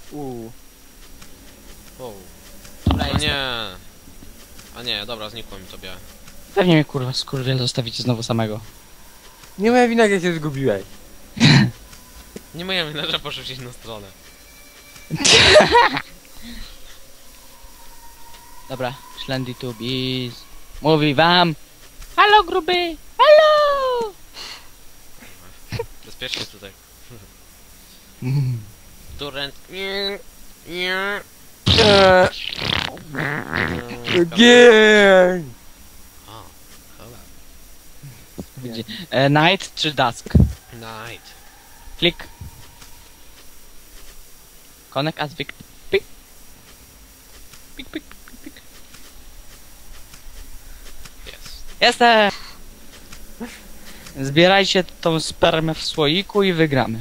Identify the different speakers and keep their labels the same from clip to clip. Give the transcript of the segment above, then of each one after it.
Speaker 1: O
Speaker 2: Dobra, jestem.
Speaker 1: nie. A nie, dobra, znikło mi to białe.
Speaker 2: Pewnie mnie kurwa skurwiel zostawicie znowu samego.
Speaker 3: Nie moja wina, jak się zgubiłeś.
Speaker 1: Nie moja wina, że poszedł gdzieś na stronę.
Speaker 2: Dobra, Szlendy Tubis. Mówi wam. Halo gruby! Halo!
Speaker 1: Bezpiecznie tutaj.
Speaker 2: Mm.
Speaker 1: Turent. Nie. Nie.
Speaker 3: Gień!
Speaker 1: O, cholera.
Speaker 2: Widzi. Night czy dusk?
Speaker 1: Night.
Speaker 2: Klik. Connect as Vic. Pik. Pik, pik, pik, pik.
Speaker 1: Jest.
Speaker 2: Jestem! Zbierajcie tą spermę w słoiku i wygramy.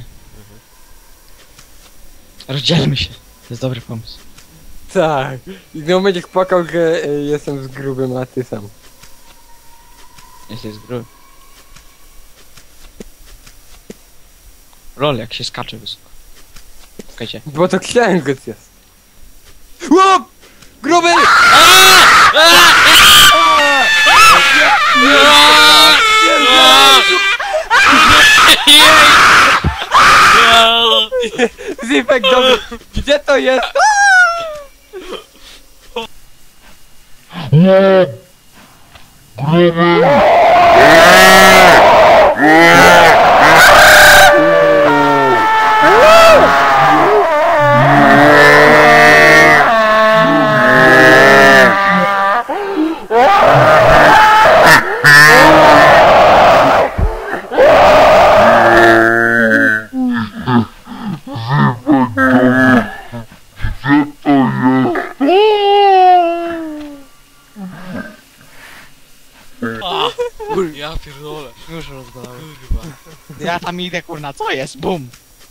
Speaker 2: Rozdzielmy się. To jest dobry pomysł.
Speaker 3: Tak. I znowu będziesz płakał, że jestem z grubym, a ty sam.
Speaker 2: Jesteś z gry. Rol, jak się skacze wysoko. Czekajcie.
Speaker 3: Bo to księżyc jest. Łop! Gruby! Zipek, dobry. Gdzie to jest?
Speaker 1: Ja pierdolę.
Speaker 2: Już rozglądam.
Speaker 1: Kurwa.
Speaker 2: Ja tam idę kurna, co jest? Bum!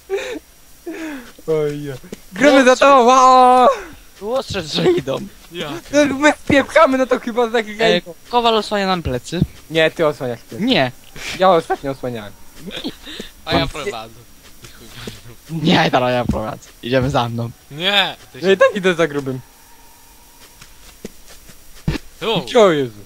Speaker 3: Oj, gruby za to! Wow!
Speaker 2: Tu ostrzec, że idą.
Speaker 1: Ja
Speaker 3: No, my spiepchamy, no to chyba tak
Speaker 2: Kowal osłania nam plecy.
Speaker 3: Nie, ty osłaniasz ty.
Speaker 2: Nie.
Speaker 3: Ja ostatnio osłaniałem.
Speaker 1: A ja prowadzę. I chuj.
Speaker 2: Nie, teraz ja prowadzę. Idziemy za mną.
Speaker 1: Nie! Ty
Speaker 3: No i tak idę za grubym.
Speaker 1: Tu!
Speaker 3: O Jezu.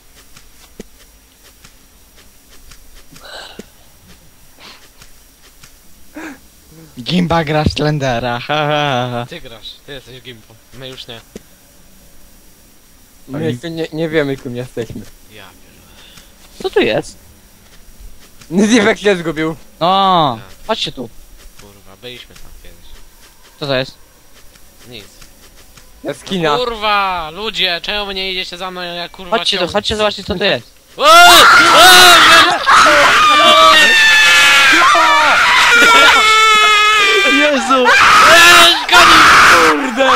Speaker 2: Gimba gra w Slendera, ha, ha, ha.
Speaker 1: Ty grasz, ty jesteś gimpą. My już nie.
Speaker 3: My jeszcze nie wiemy, kim jesteśmy.
Speaker 1: Ja pierdolę.
Speaker 2: Co tu jest?
Speaker 3: Zipek się zgubił.
Speaker 2: O, chodźcie tu.
Speaker 1: Kurwa, byliśmy tam kiedyś.
Speaker 2: Co to jest?
Speaker 1: Nic.
Speaker 3: Jaskinia.
Speaker 1: Kurwa! Ludzie, czemu wy nie idziecie za mną, ja kurwa
Speaker 2: Chodźcie tu,
Speaker 1: ciągnę?
Speaker 2: chodźcie zobaczcie co to jest.
Speaker 1: O! O!
Speaker 2: Jezu!
Speaker 1: Kurde!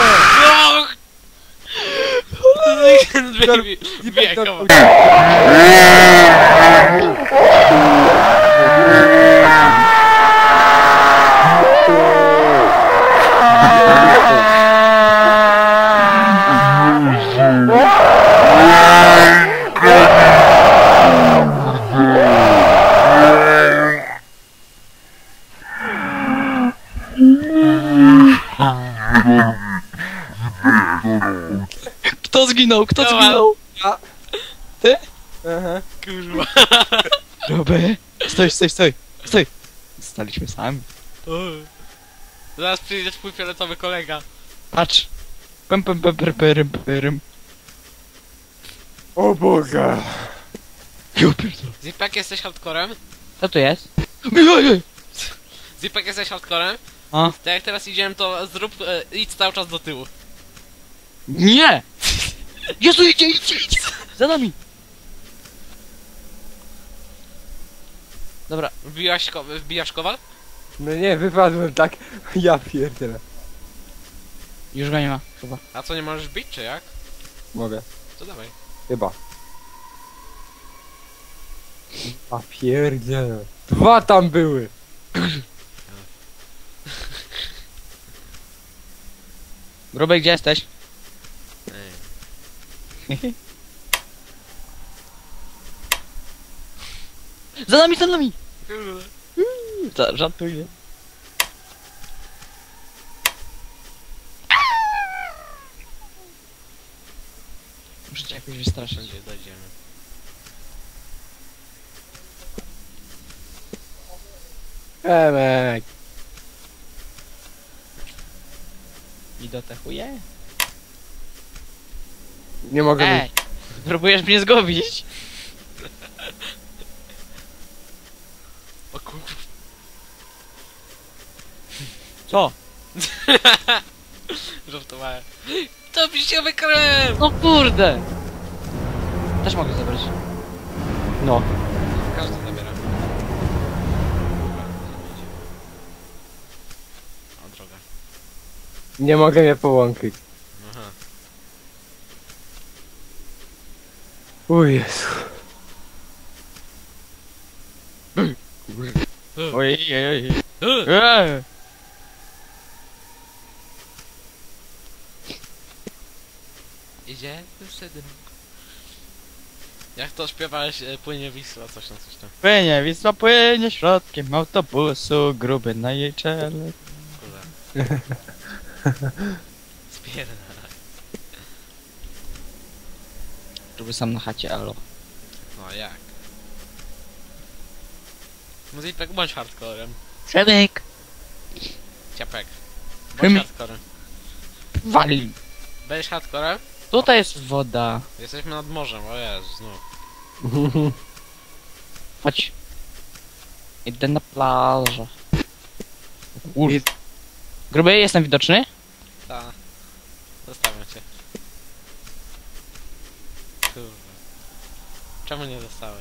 Speaker 1: Biegał.
Speaker 2: Kto zginął? Kto
Speaker 1: Ja.
Speaker 2: zginął?
Speaker 3: Ja.
Speaker 2: Ty?
Speaker 3: Aha.
Speaker 1: Kurwa.
Speaker 2: Roby. Stoj, stoj, stoj. Stoj. Staliśmy sami.
Speaker 1: Zaraz przyjdzie twój fioletowy kolega.
Speaker 2: Patrz. Pem, pem, pem, pem, pem, pem.
Speaker 3: O Boże.
Speaker 1: Zipek, jesteś hardcorem?
Speaker 2: Co tu jest?
Speaker 1: Zipek, jesteś hardcorem?
Speaker 2: A?
Speaker 1: To jak teraz idziemy, to zrób, idź cały czas do tyłu.
Speaker 2: Nie! Jezu, idzie, idzie, idzie! Za nami! Dobra,
Speaker 1: Wbijasz kowal?
Speaker 3: No nie, wypadłem tak. Ja pierdzielę.
Speaker 2: już go nie ma, chyba.
Speaker 1: A co, nie możesz bić, czy jak?
Speaker 3: Mogę.
Speaker 1: To dawaj.
Speaker 3: Chyba. A pierdzielę. Dwa tam były.
Speaker 2: Grubej, gdzie jesteś?
Speaker 1: Ej.
Speaker 2: Za nami, za nami! Żartuję. Muszę cię jakoś wystraszyć.
Speaker 1: Wszędzie dojdziemy.
Speaker 3: Emek.
Speaker 2: I do te chuje?
Speaker 3: Nie mogę
Speaker 2: Ej! Próbujesz mnie zgubić?
Speaker 1: O kur...
Speaker 2: Co?
Speaker 1: Żartowałem. To piściowy krem!
Speaker 2: No kurde! Też mogę zabrać.
Speaker 3: No.
Speaker 1: Każdy zabiera. O, droga.
Speaker 3: Nie mogę mnie połączyć.
Speaker 1: Aha.
Speaker 3: O Jezu.
Speaker 2: Ojej, ojej.
Speaker 1: Idzie wtedy. Jak to śpiewałeś, płynie Wisła, coś tam, coś tam.
Speaker 2: Płynie, Wisła płynie środkiem autobusu, gruby na jej czele.
Speaker 1: Kurde. Spierdalaj.
Speaker 2: Gruby sam na chacie, alo.
Speaker 1: No jak? Muzipek, bądź hardcorem.
Speaker 2: Przebieg!
Speaker 1: Ciapek. Bądź
Speaker 2: Czym?
Speaker 1: hardcorem.
Speaker 2: Wali!
Speaker 1: Będziesz hardcorem?
Speaker 2: Tutaj jest woda.
Speaker 1: Jesteśmy nad morzem, o Jezu, znów.
Speaker 2: Chodź. Idę na plażę. Kurde. Gruby, jestem widoczny?
Speaker 1: Ta. Zostawiam cię. Kurwa. Czemu nie zostałeś?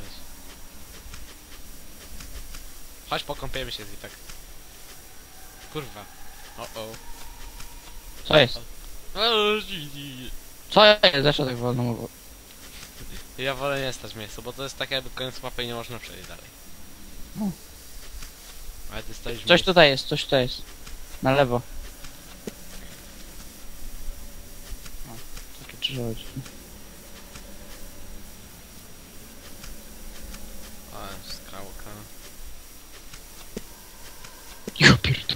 Speaker 1: Chodź pokąpiemy się, Zipek. Kurwa. O.
Speaker 2: Co jest?
Speaker 1: O,
Speaker 2: Co jest? Dlaczego tak wolno mówię?
Speaker 1: ja wolę nie stać w miejscu, bo to jest tak jakby koniec mapy i nie można przejść dalej.
Speaker 2: No.
Speaker 1: Ale ty stoisz w
Speaker 2: Coś
Speaker 1: miejscu.
Speaker 2: tutaj jest, coś tutaj jest. Na lewo. O, takie drzewo.
Speaker 1: O, skałka.
Speaker 2: Ja pierdolę.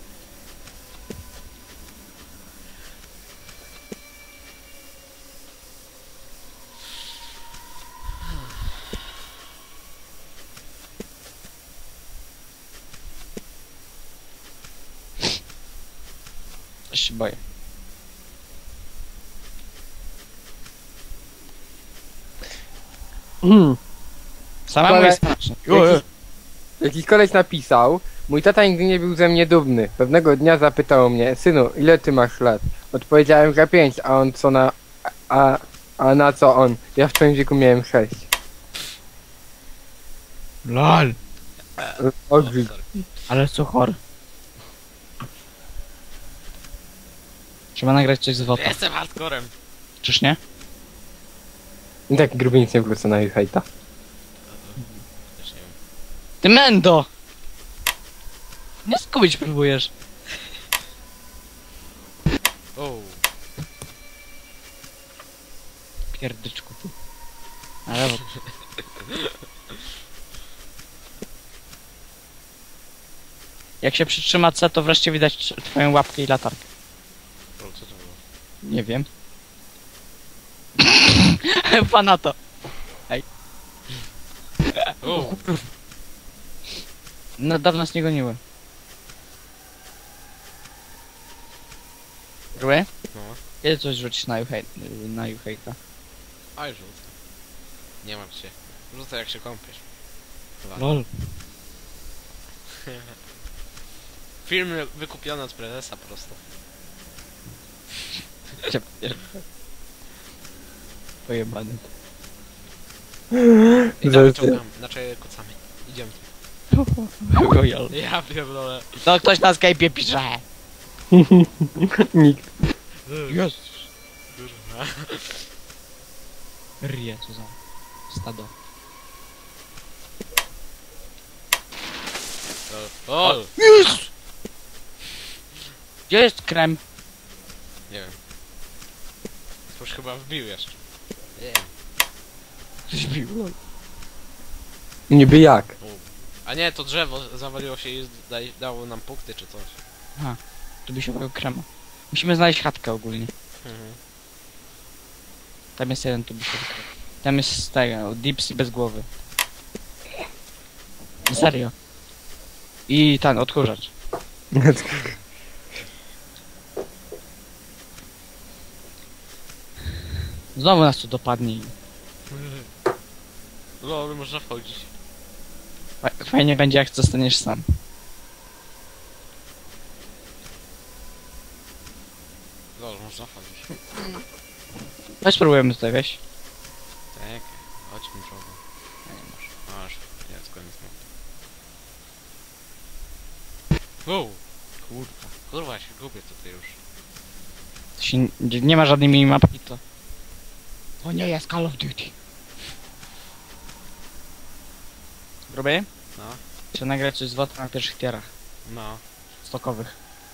Speaker 2: Też się boję. Samemu
Speaker 3: Ale-
Speaker 2: jest strasznie.
Speaker 3: Jakiś koleś napisał, mój tata nigdy nie był ze mnie dumny. Pewnego dnia zapytał mnie, synu, ile ty masz lat? Odpowiedziałem, że 5, a on co na... A na co on? Ja w twoim wieku miałem 6.
Speaker 2: LOL.
Speaker 3: Odrzuć.
Speaker 1: Sorry.
Speaker 2: Ale co chory. Trzeba nagrać coś z WOTA.
Speaker 1: Jestem hardcorem.
Speaker 2: Czyż nie?
Speaker 3: I tak gruby nic nie wrócę na ich hejta.
Speaker 1: Też nie wiem.
Speaker 2: Ty mendo! Nie skubić próbujesz.
Speaker 1: O.
Speaker 2: Pierdyczku ty. Ale bo... Jak się przytrzyma C, to wreszcie widać twoją łapkę i latarkę.
Speaker 1: O, co to było?
Speaker 2: Nie wiem. Pana to.
Speaker 1: O.
Speaker 2: No dawno nas nie goniły. Grły?
Speaker 1: No.
Speaker 2: Kiedy coś rzucić na Juhejta?
Speaker 1: Aj, rzucę. Nie martw się. Rzucę jak się kąpiesz. Dwa.
Speaker 2: LOL.
Speaker 1: Film wykupiony od prezesa po prostu.
Speaker 2: Pojebany.
Speaker 1: I tam wyciągamy, znaczy kucamy. Idziemy.
Speaker 2: Gojal.
Speaker 1: Ja pierdolę.
Speaker 2: No ktoś na Skype'ie pisze.
Speaker 3: Nikt.
Speaker 2: Jest.
Speaker 1: Kurwa.
Speaker 2: Rie, co za stado.
Speaker 1: O!
Speaker 2: Jest! Gdzie jest krem?
Speaker 1: Nie wiem. Już chyba wbił jeszcze. Nie.
Speaker 2: Coś bił.
Speaker 3: Niby jak?
Speaker 1: A nie, to drzewo zawaliło się i dało nam punkty czy coś.
Speaker 2: Tu by się bawił krema. Musimy znaleźć chatkę ogólnie.
Speaker 1: Mhm.
Speaker 2: Tam jest jeden tubus. Tam jest tego, Dipsy bez głowy. Serio. I ten, odkurzacz. Znowu nas tu dopadnie.
Speaker 1: No, można wchodzić.
Speaker 2: Fajnie będzie, jak zostaniesz sam.
Speaker 1: No, można wchodzić.
Speaker 2: Chodź spróbujemy tutaj, weź.
Speaker 1: Tak, chodźmy drogą.
Speaker 2: A nie masz.
Speaker 1: Masz, jest koniec mowy. Wow! Kurwa, się gubię tutaj już.
Speaker 2: To się, nie ma żadnej minimapki, to... To nie jest Call of Duty. Gruby?
Speaker 1: No,
Speaker 2: Trzeba nagrać coś z WOT na pierwszych tierach.
Speaker 1: no.
Speaker 2: Stokowych.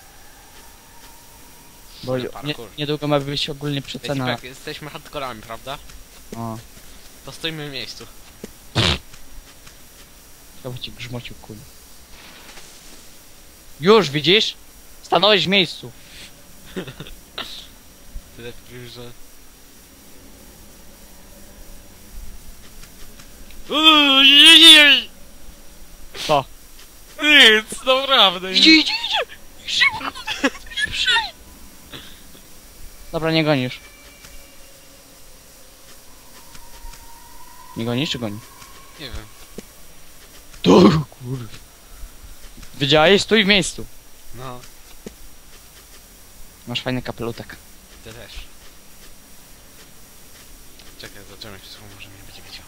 Speaker 2: Bo
Speaker 1: Ale
Speaker 2: nie,
Speaker 1: parkour.
Speaker 2: niedługo ma być ogólnie przecena.
Speaker 1: Jak jesteśmy hardkorami, prawda?
Speaker 2: O,
Speaker 1: To stoimy w miejscu.
Speaker 2: chyba ci grzmocił kul. Już, widzisz? Stanąłeś w miejscu.
Speaker 1: Tyle wpływ, że...
Speaker 2: Co?
Speaker 1: Nic, naprawdę.
Speaker 2: Idzie! Szybko! Dobra, nie gonisz. Nie gonisz czy goni?
Speaker 1: Nie wiem.
Speaker 2: To kurwa. Wiedziałeś? Stój w miejscu.
Speaker 1: No,
Speaker 2: Masz fajny kapelutek.
Speaker 1: ty też. Czekaj, zobaczymy się, może mnie będzie widział.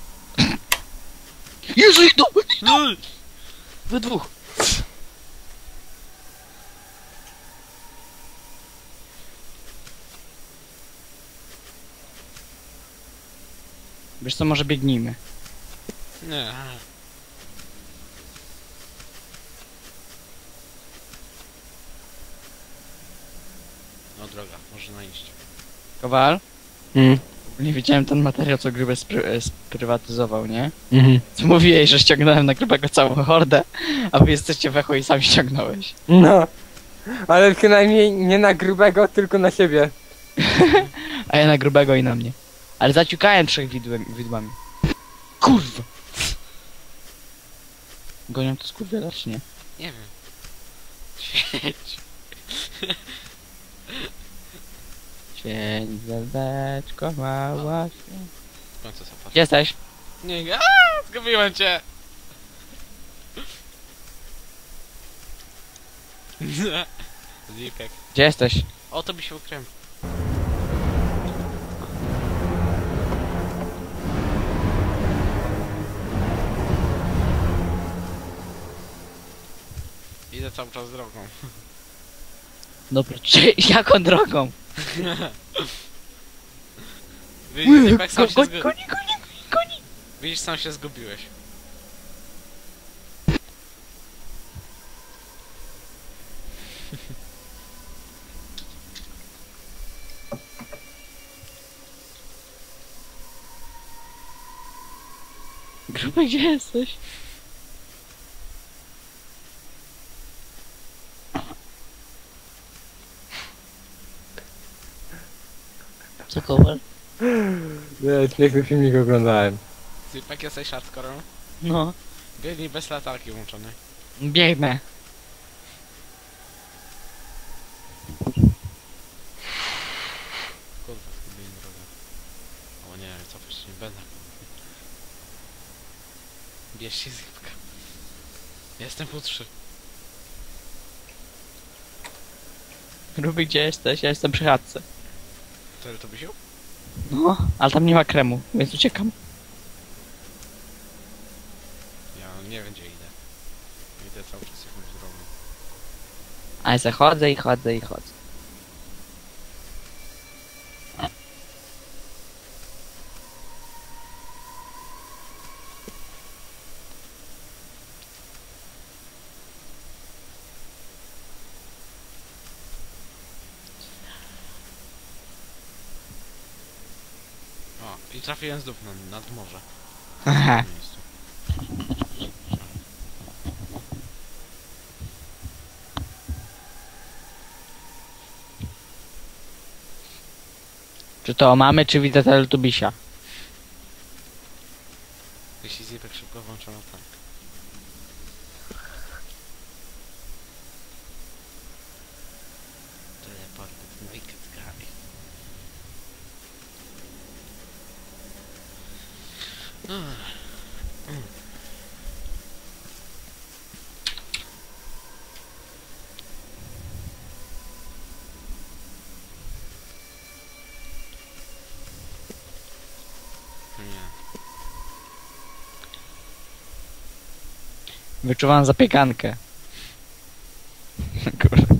Speaker 2: Jezu, idą! We dwóch. Wiesz co, może biegnijmy.
Speaker 1: Nie. No droga, można iść.
Speaker 2: Kowal?
Speaker 3: Mm.
Speaker 2: Nie widziałem ten materiał, co Grube sprywatyzował, nie?
Speaker 3: Mhm.
Speaker 2: Co mówiłeś, że ściągnąłem na Grubego całą hordę, a wy jesteście wecho i sam ściągnąłeś.
Speaker 3: No. Ale przynajmniej nie na grubego, tylko na siebie.
Speaker 2: A ja na Grubego i na mnie. Ale zaciukałem 3 widłami. Kurwa! Gonią to skurwiela, czy nie?
Speaker 1: Nie wiem. Świeć.
Speaker 2: Świeć, zeldeczko, mała świeć.
Speaker 1: W końcu co
Speaker 2: Gdzie jesteś?
Speaker 1: Nie, zgubiłem cię. Zipek.
Speaker 2: Gdzie jesteś?
Speaker 1: O, to by się ukryłem. Idę cały czas drogą.
Speaker 2: Dobra, czy jaką drogą?
Speaker 1: Widzisz, Zipek, sam się
Speaker 2: Goni,
Speaker 1: zgu...
Speaker 2: goni, goni!
Speaker 1: Widzisz, sam się zgubiłeś.
Speaker 2: Gruby, gdzie jesteś? Co Kowal?
Speaker 3: Nie, piękny filmik oglądałem.
Speaker 1: Zipek, jesteś hardcorem?
Speaker 2: No.
Speaker 1: Biegnij bez latarki włączonej.
Speaker 2: Biegnę.
Speaker 1: Kurwa, zgubiłem drogę. O nie, cofać się nie będę. Bierz się Zipka. Jestem po 3.
Speaker 2: Gruby, gdzie jesteś? Ja jestem przy chatce.
Speaker 1: Który to by się?
Speaker 2: No, ale tam nie ma kremu, więc uciekam.
Speaker 1: Ja nie wiem gdzie idę. Idę cały czas jakąś drogą.
Speaker 2: Ale se chodzę i chodzę i chodzę.
Speaker 1: O, i trafiłem znów nad morze.
Speaker 2: Haha.
Speaker 1: W tym miejscu.
Speaker 2: Czy to mamy, czy widzę Teletubisia?
Speaker 1: Jeśli Zipek szybko włączono tak. Teleporty, no i katkami. Nie.
Speaker 2: Wyczuwam zapiekankę. Kurde.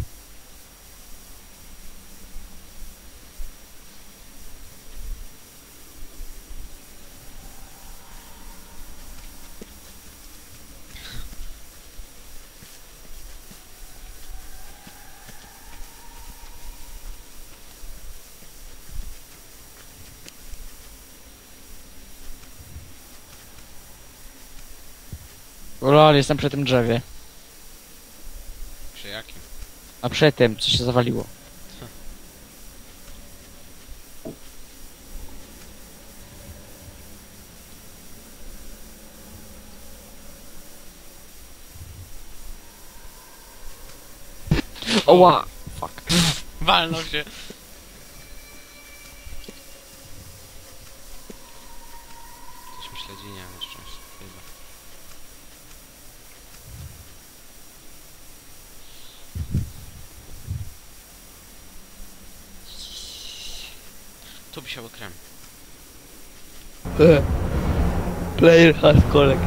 Speaker 2: Lol, jestem przy tym drzewie.
Speaker 1: Przy jakim?
Speaker 2: A przy tym, co się zawaliło. Oła! Fuck.
Speaker 1: Walnął się. Coś mi śledzi, nie na szczęście. Chyba. Tu by się okrem.
Speaker 2: Player has collect.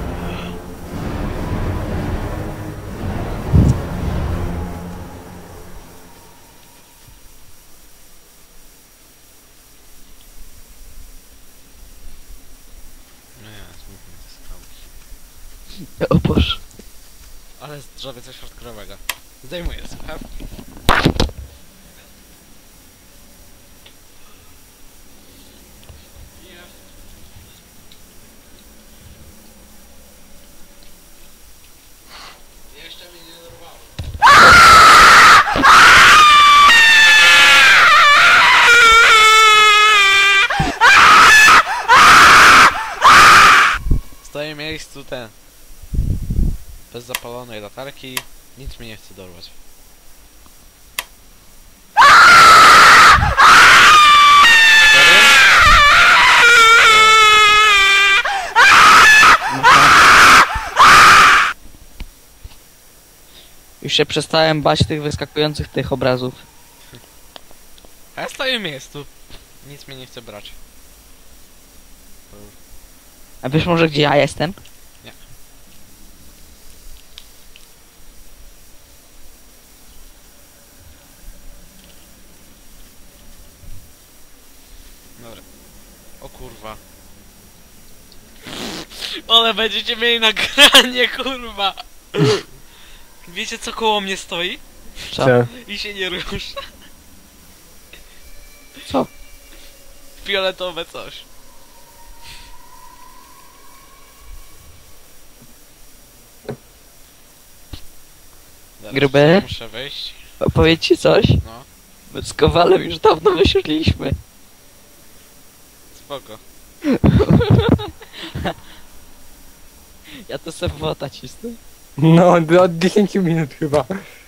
Speaker 1: No ja, zmówmy te skałki.
Speaker 2: O Boże.
Speaker 1: Ale zrobię coś hardkorowego. Zdejmuję słuchawki. Jeszcze mnie nie dorwało. Stoję w miejscu ten. Bez zapalonej latarki. Nic mnie nie chce dorwać.
Speaker 2: Już się przestałem bać tych wyskakujących tych obrazów.
Speaker 1: A ja stoję w miejscu. Nic mnie nie chce brać.
Speaker 2: A wiesz może gdzie ja jestem?
Speaker 1: Nie. Dobra. O kurwa. Ale będziecie mieli nagranie, kurwa. Wiecie co koło mnie stoi?
Speaker 2: Co?
Speaker 1: I się nie rusza.
Speaker 2: Co?
Speaker 1: Fioletowe coś. Zaraz
Speaker 2: Gruby?
Speaker 1: muszę wejść.
Speaker 2: Opowiedz ci coś?
Speaker 1: No,
Speaker 2: My z Kowalem już dawno wysiedliśmy.
Speaker 1: spoko.
Speaker 2: Ja to sobie wota cisnę.
Speaker 3: No, od 10 minut chyba.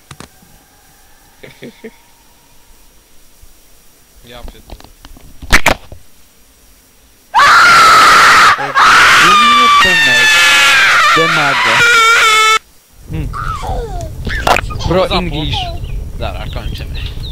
Speaker 1: Ja pierdolę.
Speaker 2: Demago. Bro
Speaker 1: Zapłon.
Speaker 2: English.
Speaker 1: Dobra, kończymy.